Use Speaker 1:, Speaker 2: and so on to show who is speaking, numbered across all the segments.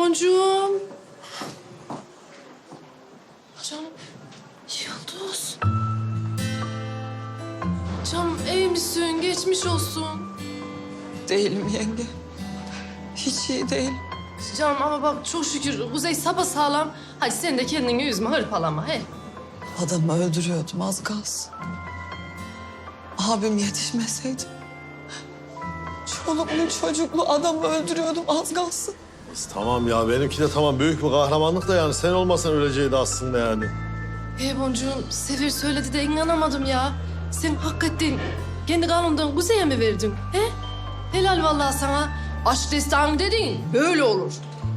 Speaker 1: boncuğum. Canım, Yıldız. Canım iyi misin? Geçmiş olsun.
Speaker 2: Değilim yenge. Hiç iyi değil.
Speaker 1: Canım ama bak çok şükür Kuzey sapasağlam. Hadi sen de kendini üzme, hırpalama he.
Speaker 2: Adamı öldürüyordum az kalsın. Abim yetişmeseydi. Çoluğumun çocuklu adamı öldürüyordum az kalsın.
Speaker 3: Tamam ya benimki de tamam büyük bir kahramanlık da yani sen olmasan öleceğiydi aslında yani.
Speaker 1: Boncuğum, Sefer söyledi de inanamadım ya. Sen hakikaten kendi kanundan Kuzey'e mi verdin? He? Helal vallahi sana. Aşk destanı dediğin böyle olur.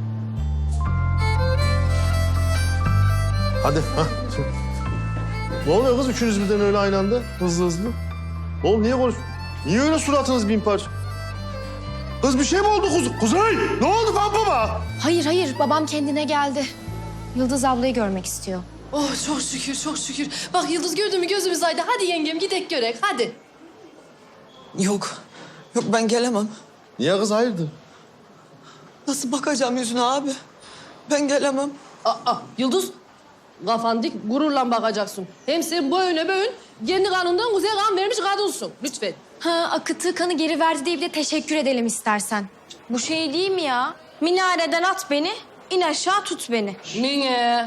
Speaker 3: Hadi ha. Ne oluyor kız üçünüz birden öyle aynı anda hızlı hızlı? Oğlum niye konuş? Niye öyle suratınız bin parça? Kız bir şey mi oldu Kuzey? Ne oldu baba?
Speaker 4: Hayır, babam kendine geldi. Yıldız ablayı görmek istiyor.
Speaker 1: Oh çok şükür, çok şükür. Bak Yıldız gördün mü gözümüz aydı. Hadi yengem gidek görek, hadi.
Speaker 2: Yok. Yok ben gelemem.
Speaker 3: Niye kız hayırdır?
Speaker 2: Nasıl bakacağım yüzüne abi? Ben gelemem.
Speaker 1: Yıldız, kafan dik, gururla bakacaksın. Hem sen boyuna boyun, kendi kanından Kuzey kan vermiş kadınsın. Lütfen.
Speaker 4: Ha, akıttığı kanı geri verdi diye bir de teşekkür edelim istersen.
Speaker 5: Bu şey değil mi ya? Minareden at beni, in aşağı tut beni.
Speaker 1: Niye?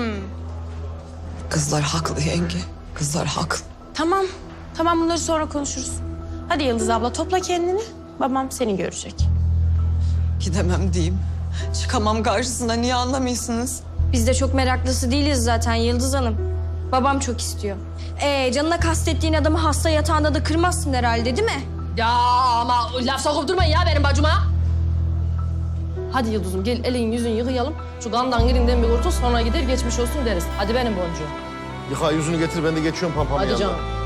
Speaker 2: Kızlar haklı yenge. Kızlar haklı.
Speaker 5: Tamam bunları sonra konuşuruz. Hadi Yıldız abla topla kendini. Babam seni görecek.
Speaker 2: Gidemem diyeyim. Çıkamam karşısına. Niye anlamıyorsunuz?
Speaker 5: Biz de çok meraklısı değiliz zaten Yıldız Hanım. Babam çok istiyor. Canına kastettiğin adamı hasta yatağında da kırmazsın herhalde değil mi?
Speaker 1: Ya ama laf sokup durmayın ya benim bacıma. Hadi Yıldız'ım gel elin yüzünü yıkayalım. Şu kandan girinden bir kurtul sonra gider geçmiş olsun deriz. Hadi benim boncuğum.
Speaker 3: Yıka yüzünü getir ben de geçiyorum pampamın
Speaker 1: Hadi
Speaker 3: yanına.
Speaker 1: canım.